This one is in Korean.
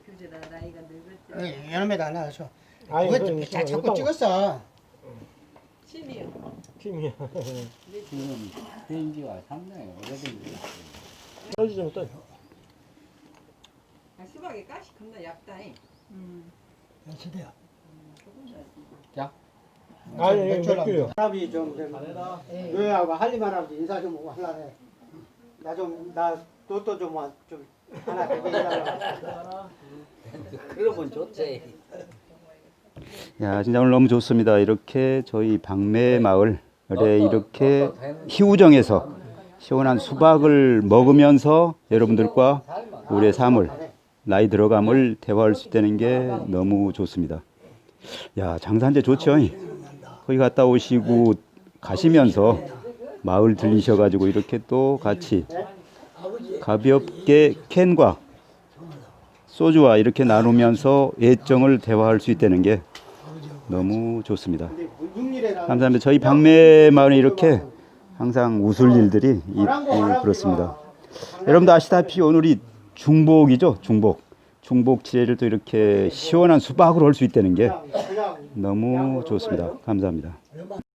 규제라 나이가 늙었지. 여름에도 안 나와서. 아니, 그거 자꾸 찍었어. 심이요. 팀이야. 지금 된 지가 상당히 오래된 지. 떨어지 좀 떠. 아, 수박에 가시 겁나 얇다잉. 세대야. 자, 아니, 맥주요. 할아버지 좀 노예하고 할리만 할아버지 인사 좀 하려네. 나 로또 좀 하나 대배해달라. 그러면 좋지. 야, 진짜 오늘 너무 좋습니다. 이렇게 저희 방매 마을에 이렇게 희우정에서 시원한 수박을 먹으면서 여러분들과 우리의 삶을, 나이 들어감을 대화할 수 있다는 게 너무 좋습니다. 야, 장산제 좋죠? 거기 갔다 오시고 가시면서 마을 들리셔가지고 이렇게 또 같이 가볍게 캔과 소주와 이렇게 나누면서 애정을 대화할 수 있다는 게 너무 좋습니다. 감사합니다. 저희 방매 마을에 이렇게 항상 웃을 일들이 그렇습니다. 여러분도 아시다시피 오늘이 중복이죠. 중복 지혜를 또 이렇게 시원한 수박으로 할 수 있다는 게 너무 좋습니다. 감사합니다.